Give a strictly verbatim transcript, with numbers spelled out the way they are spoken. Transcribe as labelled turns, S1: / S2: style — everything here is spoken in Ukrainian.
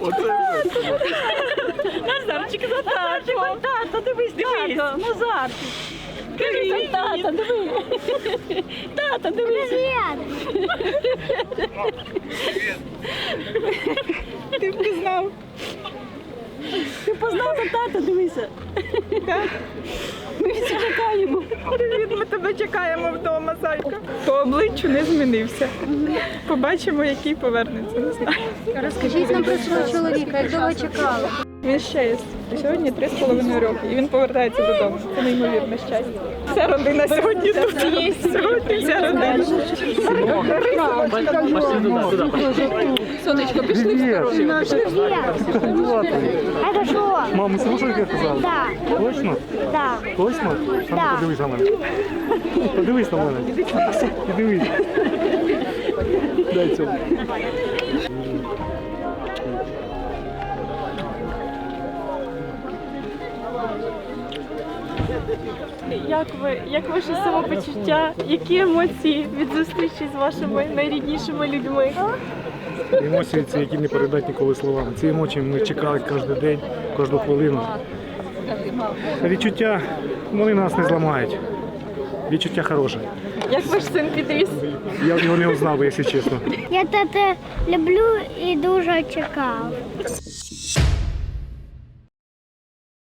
S1: Назарчик, за тато. Тато, дивись, дивись. Назарчик. Кажи, тато, диви. Тато, дивись. Ти впізнав. Ти познав тата, дивися. Ми всі чекаємо.
S2: Привіт, ми тебе чекаємо вдома, зайка. По обличчю не змінився. Побачимо, який повернеться, не знаю.
S3: Розкажіть нам про свого чоловіка, як довго чекали?
S2: Він ще є. Сьогодні три з половиною роки, і він повертається додому. Це неймовірне щастя. Вся родина сьогодні тут є. Сьогодні вся родина.
S1: Сонечко, пішли в сторону.
S4: Это что?
S5: Мама, слушай, як я казав?
S4: Да,
S5: Точно?
S4: да.
S5: Точно? А ну,
S4: Да.
S5: подивись на мене. Подивись на мене. І дивись. Дай цьому.
S1: Як ви, як ваше самопочуття, які емоції від зустрічі з вашими найріднішими людьми?
S5: Емоції ці, які не передати ніколи словами. Ці емоції ми чекали кожен день, кожну хвилину. Відчуття, вони нас не зламають. Відчуття хороше.
S1: Як ваш син підріс?
S5: Я б його не узнав, якщо чесно.
S4: Я тата люблю і дуже чекав.